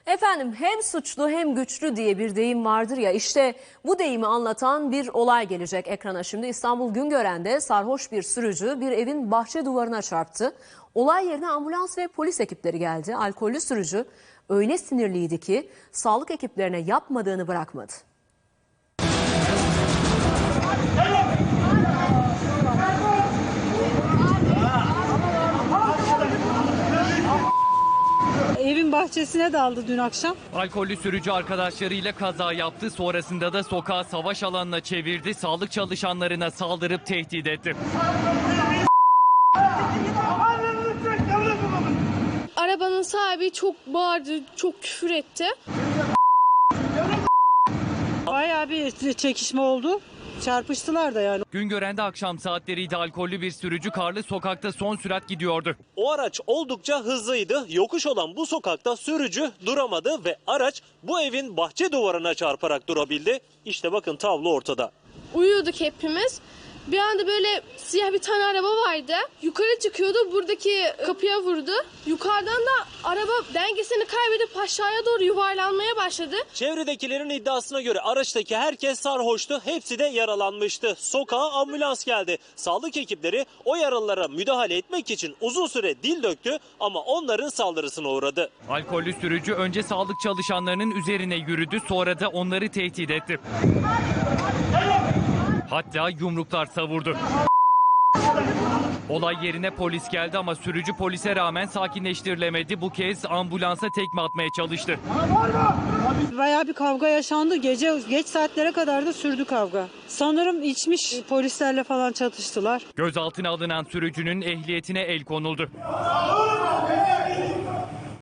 Efendim hem suçlu hem güçlü diye bir deyim vardır ya, işte bu deyimi anlatan bir olay gelecek ekrana şimdi. İstanbul Güngören'de sarhoş bir sürücü bir evin bahçe duvarına çarptı. Olay yerine ambulans ve polis ekipleri geldi. Alkollü sürücü öyle sinirliydi ki sağlık ekiplerine yapmadığını bırakmadı. Evin bahçesine daldı dün akşam. Alkollü sürücü arkadaşlarıyla kaza yaptı. Sonrasında da sokağı savaş alanına çevirdi. Sağlık çalışanlarına saldırıp tehdit etti. Arabanın sahibi çok bağırdı, çok küfür etti. Bayağı bir çekişme oldu. Çarpıştılar da yani. Güngören'de akşam saatleriydi. Alkollü bir sürücü karlı sokakta son sürat gidiyordu. O araç oldukça hızlıydı. Yokuş olan bu sokakta sürücü duramadı ve araç bu evin bahçe duvarına çarparak durabildi. İşte bakın tablo ortada. Uyuyorduk hepimiz. Bir anda böyle siyah bir tane araba vardı. Yukarı çıkıyordu, buradaki kapıya vurdu. Yukarıdan da araba dengesini kaybedip aşağıya doğru yuvarlanmaya başladı. Çevredekilerin iddiasına göre araçtaki herkes sarhoştu. Hepsi de yaralanmıştı. Sokağa ambulans geldi. Sağlık ekipleri o yaralılara müdahale etmek için uzun süre dil döktü ama onların saldırısına uğradı. Alkollü sürücü önce sağlık çalışanlarının üzerine yürüdü, sonra da onları tehdit etti. Hatta yumruklar savurdu. Olay yerine polis geldi ama sürücü polise rağmen sakinleştirilemedi. Bu kez ambulansa tekme atmaya çalıştı. Bayağı bir kavga yaşandı. Geç saatlere kadar da sürdü kavga. Sanırım içmiş, polislerle falan çatıştılar. Gözaltına alınan sürücünün ehliyetine el konuldu.